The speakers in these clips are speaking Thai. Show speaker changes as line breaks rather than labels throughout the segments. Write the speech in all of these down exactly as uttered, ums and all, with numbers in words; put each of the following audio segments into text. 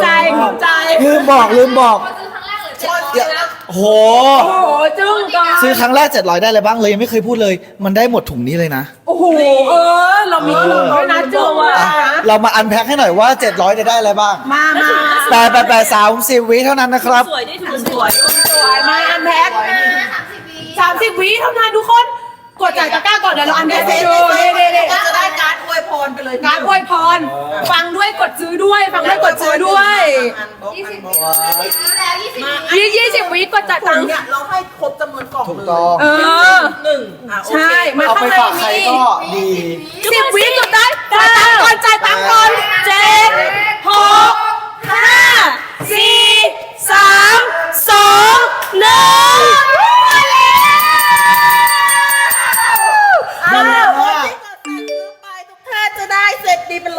ใจภูมิใจ
ลืมบอกลืมบอก
ซื้อครั้งแรกเลยเจ็ดร้อยนะ
โห
โอ้โหจึ้งก่อน
ซื้อครั้งแรกเจ็ดร้อยได้เลยบ้างเลยยังไม่เคยพูดเลย มันได้หมดถุงนี้เลยนะ
โอ้โหเออเรามีถุงด้วยนะจึ้งว่ะ
อ่ะเรามาอันแพ็คให้หน่อยว่าเจ็ดร้อยจะได้อะไรบ้าง
มามา
แปดแปดแปดสามสิบวิเท่านั้นนะครับ
สวยได้ถูกสวย
สวยมาอันแพ็คสามสิบวิเท่านั้นทุกคนกดจ่ายตะกร้าก่อนเดี๋ยวเราอันแพ็คให้ดูนี่นี่นี่
จะได้การ์ดอวยพรไปเลย
การอวยพรฟังด้วยกดซื้อด้วยฟังด้วยกดซื้อด้วย
ยี่สิบวิแล้วยี่สิบวิ
ยี่ยี่สิบวิกดจ่าย
ตั
ตั
ง
ง
ค์
ค์
เนี่ยเราให้ครบจำนวนกล่อง
ถูก
เลย
ต้อง
เออ
หนึ่งอ่ะโอ
ใช่
เค
มา
เอาไป
ข้างใน
ฝากใคร
นี้
ก็ดี
สิบวิสุดท้ายจ่ายตังค์ก่อนจ่ายตังค์ก่อนเจ็ดหกห้าสี่สามสองหนึ่ง
อ้าวคนที่กดสั่งซื้อไปทุกท่านจะได้เสร็จดีไปเลย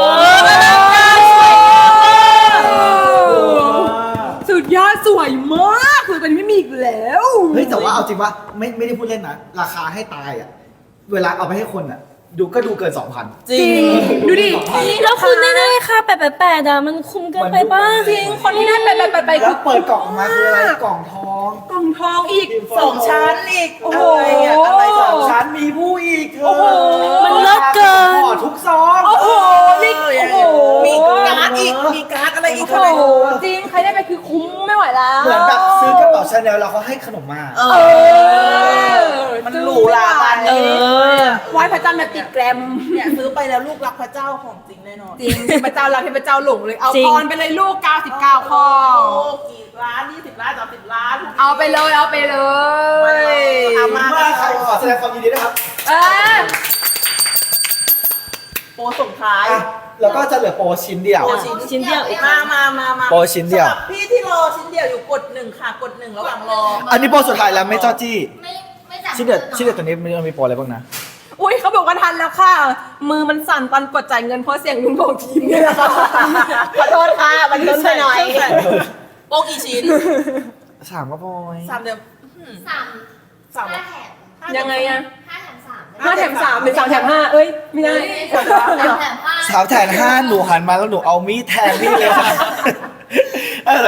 สุดยอดสวยมากคือมันไม่มีอีกแล้ว
เฮ้ยแต่ว่าเอาจริงว่าไม่ไม่ได้พูดเล่นนะราคาให้ตายอ่ะเวลาเอาไปให้คนอ่ะดูก็ดูเกินสองพัน
จริง
ดูดิ
แล้วคุณแน่ๆค่ะแปดแปดแปดอะมันคุ้มเกินไปบ้าง
จริงคนที่ได้ไปไปไปไป
แล้วเปิดกล่องออกมาคืออะไรกล่องทอง
กล่องทองอีก
สองชั้นอีก
โอ้โห
อะไรอ่ะอะไรสองชั้น
ชั้นมีผู้อีกเธอ
โอ้โห
มันเลิศเกิน
ห่อทุกซอง
โอ้โหนี่โอ้โห
มีการ์ดอีกมีการ์ดอะไรอีก
โอ้
เท่าไหร่
โหจริงใครได้ไปคือคุ้มไม่ไหวแล้ว
เหมือนแบบซื้อกระเป๋าชาแนลแล้วเขาให้ขนมมา
เอ
เอ
อ
อ
มันหรูหราปานนี้
เออ
ไหว้พระจันทร์แบบติดแกรม
เนี่ยซื้อไปแล้วลูกรักพระเจ้าของจริงแน่นอน
จริงเทพเจ้าเราเทพเจ้าหลงเลยเอา
จริง
พรไปเลยลูกเก้าสิบเก้าข้อ
โอ้กี่ล้านยี่สิบล้านสามสิบล้าน
เอาไปเลยเอาไปเลย
เอามา
มาใครขอแสดงความยินดีด้วยครับ
เออ
โปรส่งท้าย
อ่ะแล้วก็จะเหลือโปรชิ้นเดียว
โปร
ชิ้นเดียวอีก
มามามามา
โปรชิ้นเดียว
สำหรับพี่ที่รอชิ้นเดียวอยู่กดหนึ่งค่ะกดหนึ่งระหว่างรอ
อันนี้โปรสุดท้ายแล้วไม่จ้อจี้
ไม่ไม่จ่าย
ชิ้นเดียวชิ้นเดียวตัวนี้มันมีโปรอะไรบ้างนะ
อุ้ยเขาบอกว่าทันแล้วค่ะ มือมันสั่นตอนกดจ่ายเงินเพราะเสียงลุงของทีมเนี่ยแหละค่ะ
ขอโทษค่ะมันล้นไปหน่อยโปรกี่ชิ้น
สามก็พอย
สามเดือน
สาม
สาม
ห้าแถม
ยังไงอะ
ห้าแถมสาม
ห้าแถมสามหรือสามแถมห้าเอ้ยไม่ได้
สามแถมห้า
สามแถมห้าหนูหันมาแล้วหนูเอามีดแทงพี่เลยค่ะอะไร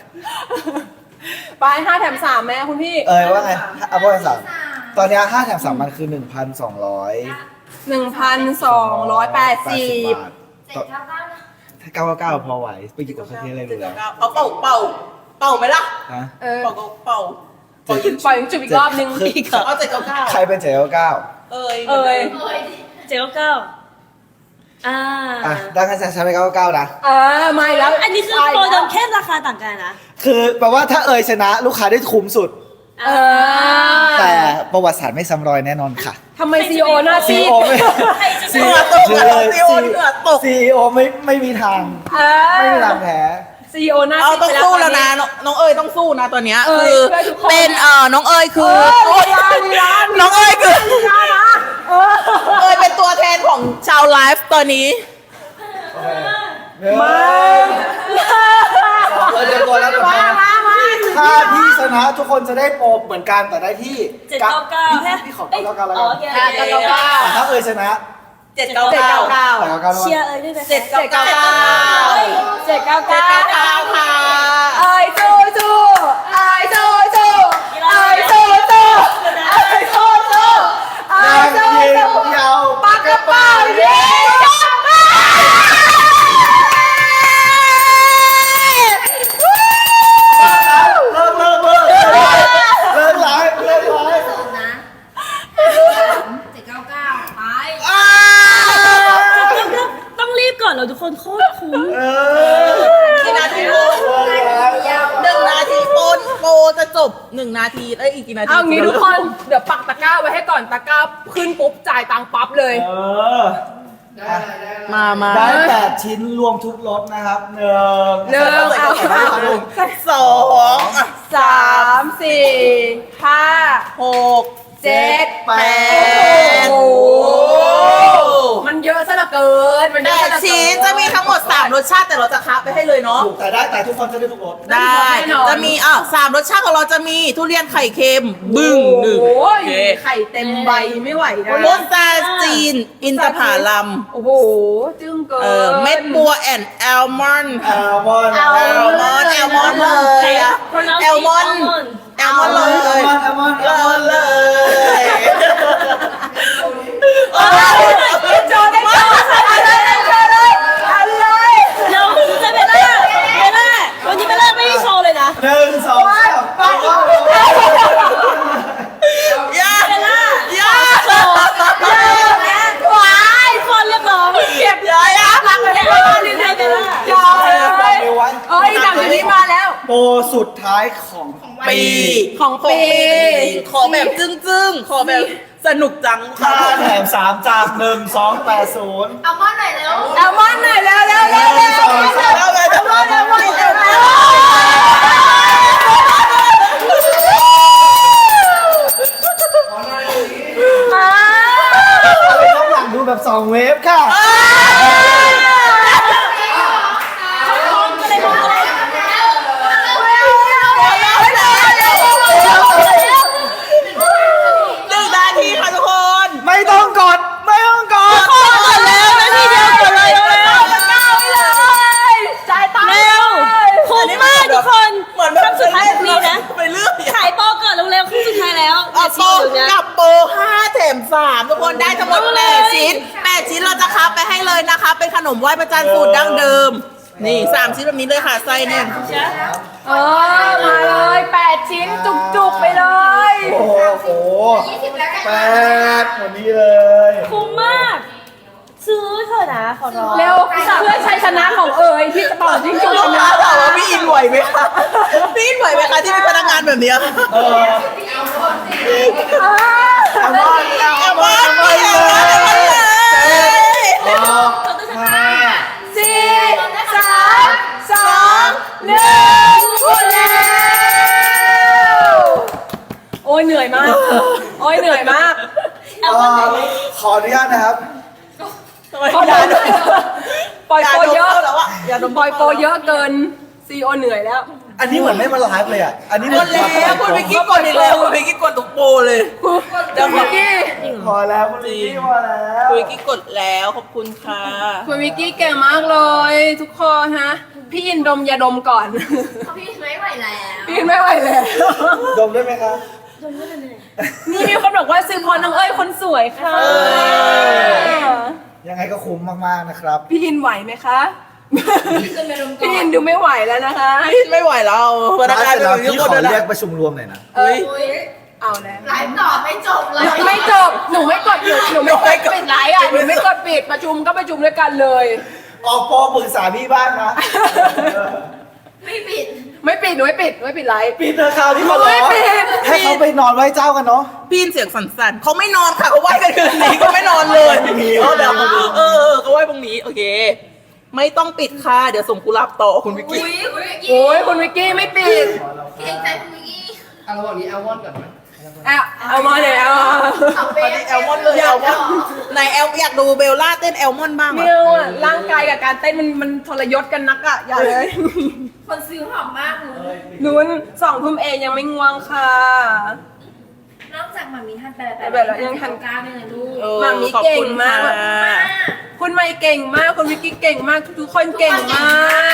ไปห้าแถมสามแม่คุณพี่
เอ้ยว่าไงเอาโปรสามตอนเนี้ห้าแถมสามมันคือหนึ่งพันสองร้อย
หนึ่งพันสองร้อยแปดสิบ
เจ็ดเก้าเก้านะ
ถ้าเก้าเก้าพอไหวไปกินกับคาเฟ่อะไรดูแล้ว
เอาเป่าเป่าเป่าไหมล่ะ
ฮะ
เออ
เป่าเป่า
ปล่อยปล่อยจุดอีกรอบนึง
คือ
อีกเหรอ
เอาเจ็ดเก้าเก้า
ใครเป็นเจ็ดเก้าเก้า
เอ้ย
เอ้ย
เอ้ย
เจ็ดเก้าเก้าอ่า
อ่ะได้กันฉันไปเก้าเก้านะ
เออไม่แล้ว
อันนี้คือโปรเดิมแค่ราคาต่างกันนะ
คือแปลว่าถ้าเอ่ยชนะลูกค้าได้คุ้มสุด
เออ
แต่ประวัติศาสตร์ไม่ซ้ำรอยแน่นอนค่ะ
ทำไมซีโอหน้าซี
ซี
ด
โอไม่
ใครจะ
ซี
ซื้
โอ
อ
ตกเลยซีโอเหงื่อตก
ซีโอไม่ไม่มีทาง
เอ
ไม่มี
อ
ทางแพ้
ซีโอหน้า
เอา
ซีด
ต้อง
ไป
สู้แล้ว
ต
นะ
อ
น้องน้องเอ้ยต้องสู้นะตัวเนี้ย
เอ้
คื
ย
อ
เพื่อทุกคน
เป็นเอ่อน้องเอ้ยคือ
เออลีลาลีลา
น้องเอ้ยคือ
ลีลานะเออ
เอ้ยเป็นตัวแทนของชาวไลฟ์ตอนนี้
มาเออเดี๋ยวก่อนแล้วก่อน
มา
นะ
มามา
ถ้าพี่ชนะทุกคนจะได้โปรเหมือนกันแต่ได้ที่
เจ็ดเก้าเก้า
พี่
แค่
พี่ขอเก้าเก้าแล้ว
โอ
กัน
เค
เจ็ดเก้าเก้า
แต่ถ้าเอ่ยชนะ
เจ็ดเก้า
เจ็ด
เก้า
เก้าเก้า
แต่เก้าเก้าแล้ว
เชีย
กัน
ร์เอ้ยด้วยนะ
เจ็ดเก้าเก้า
เจ็ดเก้า
เจ็ด
เก้า
เก้าเก้าค่ะ
เอ้ยสู้สู้เอ้ยสู้สู้เอ้ยสู้สู้เอ้ยสู้สู้เอ้
นาย ง
สู้
ยิง
สู้
ยาว
ปากกระเป๋าเย้
เลิกเลิกเลิกเลิกไลฟ์เลิกไลฟ์
สองนะเจ็ดเก้าเก้าไป
ต้องรีบก่อนเราทุกคนโคตรคุ้ม
เออ
กี่นาทีโปรหนึ่งนาทีโปรโปรจะจบหนึ่งนาทีเอ้ยอีกกี่นาที
เอางี้ทุกคนเดี๋ยวปักตะกร้าไว้ให้ก่อนตะกร้าขึ้นปุ๊บจ่ายตังค์ปั๊บเลย
เออ
มามา
ได้แปดชิ้นรวมทุกรถนะครับหนึ่ง
หนึ่งเอาเอา
สองอ่ะ
สามสี่ห้า
หก
เจ็ด
แป
แป
ด
ด
โอ้โหมัน
เยอะซะเหลือเกินมันเย
แป
อะ
ด
ซะเหลือเกิน
ชิ้นจะมีทั้งหมดสามรสชาติแต่เราจะคับไปให้เลยเนาะ
ถูกแต่ได้แต่ทุกคนจะได้ทุกรส
ได้ จะมีอ่ะสามรสชาติของเราจะมีทุเรียนไข่เค็ม บึ้งหนึ่ง
โอ้ย
โอเค
ไข่เต็มใบไม่ไหวนะ
พุทราจีน อินทผลัม
โอ้โหจึ้งเกิน
เออเม็ดบัวแอนแอลมอนด์
แอลมอนด์
แอลมอนด์แอลมอนด์เลยอะแอลมอนด์แอลมอนด์เลย
แอลมอนด์แอลมอนด์แอลมอนด์
เลย
โจได้โจอะไรโจเลยอะไร
เดี๋ยวจะเบลล่าเบลล่าวันนี้เบลล่าไม่ได้โชว์เลยนะ
หนึ่งสองสามไปเข้า
ย่า
เบลล่า
ย่า
โชว์หวายคนเรียกร้อง
เก็บ
ย่าย่า
รักเลย
เบลล่าลืมให้เบลล่า
จอยเอ้ยหนังตัวนี้มาแล้ว
โปรสุดท้ายของ
ปี
ของปี
ขอแบบจึ้งๆ ขอแบบสนุกจัง
ค่าแถมสามจากหนึ่งสองแปดศูนย์
เอามอนหน่อยเร็วเอามอนหน่อยเร็วเร็วเร็ว
หนึ่งสองสาม
เอาเลยเอาเลยเอาเลยเอาเลย
อะไรน้องหลังดูแบบสองเวฟค่ะ
หนึ่งนาทีค่ะทุกคน
ไม่ต้องกด ไม่ต้องกด
กดแล้วนาทีเดียวกดเลยเร็ว
จ่ายตังค์
เร็วคุ้มมากทุกคน
เหมือนแบบ
คำสุดท้ายของปีนะ
ไปเรื่อย
ขายโปรก่อนเร็วๆครึ่งสุดท้ายแล้ว
เอาโปร
เดี๋ยว
กับโปรห้าแถมสามทุกคนได้ทั้งหมดแปดชิ้นแปดชิ้นเราจะคับไปให้เลยนะคะ เป็นขนมไหว้พระจันทร์สูตรดั้งเดิม นี่สามชิ้นแบบนี้เลยค่ะไส้เนี่ย
เออมาเลยแปดชิ้นจุกๆไปเลย
โอ้โหแปดวันนี้เลย
คุ้มมาก ซื้อเถอะนะขอร้อง
เร็วเพื่อชัยชนะของเอ๋ยที่จะต่อจิ้งจกช
ลูก
นะ
ค้าถามว่าพี่อินไหวไหมคะพี่อินไหวไหมคะที่เป็นพนักงานแบบเนี้ย
เออแอลมอนด์แอลมอนด์แอลมอนด์เลยหกห้า
สี่สามสองหนึ่งหมดแล้วโอ้ยเหนื่อยมาก โอ้ยเหนื่อยมาก
เอ่อขออนุญาตนะครับ
เขาด่าด้วยปล่อย
อย่า
โปร
ดม
เยอะ
เข้าแล้วอะอย่าดม
ปล่อยโปรเยอะเกินซีโอเหนื่อยแล้ว
อันนี้เหมือนไม่มาไลฟ์เลยอ่ะ อันนี้เห
หม
มือน
ดแล้วคุณพิกกี้กดอีกแล้วคุณพิกกี้กดทุกโปรเลย เดี๋ยว
คุณวิกกี้
พอแล้วคุณลิกกี้พอแล้ว
คุณพิกกี้กดแล้วขอบคุณค่ะ
คุณวิกกี้เก่งมากเลย ทุกคนฮะ พี่อินดมยาดมก่อน
พี่ไม่ไหวแล้ว
พี่อินไม่ไหวแล้ว
ดมได้ไหมครับ
นี่มีคนบอกว่าซื้อพรน้องเอ้ยคนสวยค่ะ
ยังไงก็คุ้มมากๆนะครับ
พี่อินไหวไหมคะ พี่อินดูไม่ไหวแล้วนะคะ
ไม่ไหวแล้วพนักงาน
เสร็จ
เป็น
แล้ว
แบบนี้
พี่
ค
ข
น
อ
เดียว
เรียก
นะ
ประชุมรวมหน่อยนะ
เอ้ยเอาแล้ว
ไลฟ์ต่อไม่จบเลย
ไม่จบ หนูไม่กดหนูหนูไม่กดปิดไลฟ์อ่ะ หนูไม่กดปิดประชุมก็ประชุมด้วยกันเลย
ออกโปรปรึกษาพี่บ้างนะ
ไม่ปิด
ไม่ปิดหนูไม่ปิดหนูไม่ปิดไลฟ์
ปิดเธอะคราวที่เขาร้อ
ไม่ปิด
ให้เขาไปนอนไหว้เจ้ากันเนาะ
พี่อินเสียงสั่นๆเขาไม่นอนค่ะเขาไหว้กันคืนนี้ก็ไม่นอนเลย
มี
เออเดี๋ยวเออเขาไหว้ตรงนี้โอเค ไม่ต้องปิดค่ะเดี๋ยวส่งกุหลาบต่อคุณวิกกี้
อุ้ยอุ้ย
โอ้ยคุณวิกกี้ไม่ปิด
เก่งใจคุณวิกกี้
เอาเอามาเลยเอา
เอาเบ
ตอนนี้แอลมอนเลยแอลมอนไหนแอลอยากดูเบลล่าเต้นแอลมอนบ้าง
เมี
อ่ะ
ยวอ่ะร่างกายกับการเต้นมันมันทรยศกันนักอ่ะอย่าเลย
คนซื้อหอมมากหนู
นู้นสองทุ่มเองยังไม่ง่วงค่ะ
นอกจากหมามีทันแต่
แต่แบบเรายังทัน
ก้าวเนี่ยนะลูก
เออ
หม่ามี
ขอบ
เก่ง
คุณ
มาก
ค่ะ
คุณไม่เก่งมากคุณวิกกี้เก่งมากทุกๆคนเก่งมาก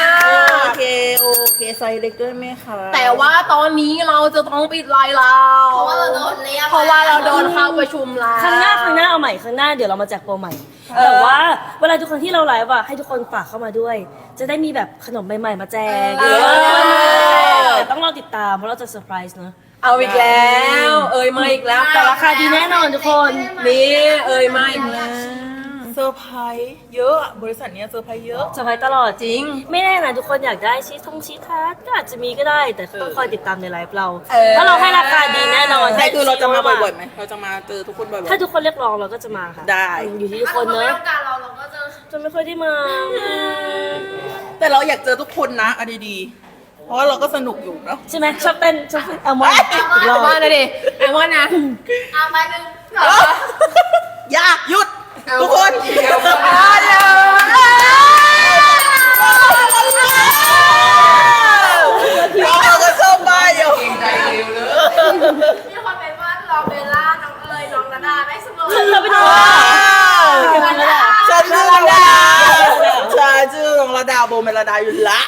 โอเคโอเคไซส์เล็กด้วยไหมคะ
แต่ว่าตอนนี้เราจะต้องปิดไลน์เรา
เพราะว่าเราโดนเรียก
เพราะว่าเราโดนเข้าประชุมแล้ว
ครั้งหน้าครั้งหน้าเอาใหม่ครั้งหน้าเดี๋ยวเรามาแจกโปรใหม่
เออ
แต่ว่าเวลาทุกครั้งที่เราไลฟ์อะให้ทุกคนฝากเข้ามาด้วย จะได้มีแบบขนมใหม่ๆมาแจก
เออ
แต่ต้องรอติดตามเพราะเราจะเซอร์ไพรส์เนอะ
เอาอีกแล้ว เอ่ยมาอีกแล้ว
แต่ราคาดีแน่นอนทุกคน
นี่เอ่ยมาอีกแล้ว
เซอร์ไพรส์เยอะอะบริษัทเนี้ยเซอร์ไพรส์เยอะ
เซอร์ไพรส์ตลอดจริง ไม่แน่นะทุกคนอยากได้ชีททงชีททาร์ตก็อาจจะมีก็ได้ แต่ต้องคอยติดตามในไลฟ์เรา
เออ
เพราะเราให้ราคาดีแน่นอน
แต่คือเราจะมาบ่อยๆไหมเราจะมาเจอทุกคนบ่อยๆ
ถ้าทุกคนเรียกร้องเราก็จะมาค่ะ
ได้
อยู่ที่ทุกคน
ถ้า
เนอะ
ไม่ต้องการเราเราก็จะ
จะไม่ค่อยได้มา
แต่เราอยากเจอทุกคนนะเอาดีๆเพราะว่าเราก็สนุกอยู่เนาะ
ใช่ไหมชอบเต้นชอบเอามอนอีก
ไอ
รอบ
มอนนะดิไอมอนนะ
เอามาหนึ่งก่อน
อย่าหยุดทุกคน
มาเลย
เราก็ชอบบ้าอยู่
มีคนเป็นว่ารอเบลล่าน้องเอ๋ยน้องนาดาไม่เสมอ
ฉันเราไปดู
ฉันชื่อระดาฉันชื่อน้องระดาโบเมลดาอยู่ละ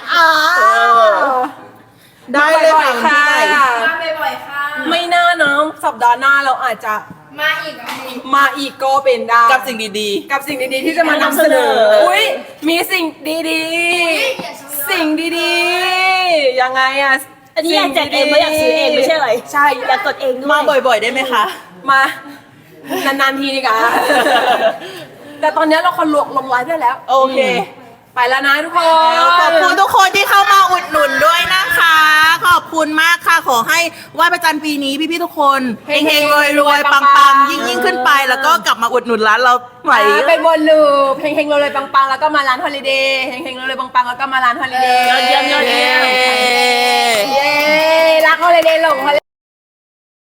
ได้เลยค่ะ
ค่ะ
มาบ่อยๆค่ะ
ไม่น่าเนาะสัปดาห์หน้าเราอาจจะ
มาอีกอ่ะ
มาอีกก็เป็นได้
กับสิ่งดี
กับสิ่งดีๆที่จะมานำเสนอ อุ้ยมีสิ่งดีๆ สิ่งดีๆ ยังไงอะ
อันนี้อยากแจกเองไม่อยากซื้อเองไม่ใช่อะไร
ใช่
อยากกดเองด้
ๆ
วย
มาบ่อยๆได้ไหมคะ
มา นานๆทีดีกว่า แต่ตอนนี้เราคนลวกลงไลฟ์ได้แล้ว
โอเค
ไปแล้วนะทุกคน
ขอบคุณทุกคนที่เข้ามาอุดหนุนด้วยนะคะ ขอบคุณมากค่ะ ขอให้ไหว้พระจันทร์ปีนี้พี่ๆทุกคนเฮงๆรวยๆปังๆยิ่งๆขึ้นไป แล้วก็กลับมาอุดหนุนร้านเราใหม่
เป็นวนลูปเฮงๆเลยปังๆ แล้วก็มาร้านฮอลิเดย์เฮงๆเลยปังๆ แล้วก็มาร้านฮอลิเดย์
ยอดเยี่ยมยอดเยี่ยม
เย้รักฮอลิเดย์หลงฮอลิ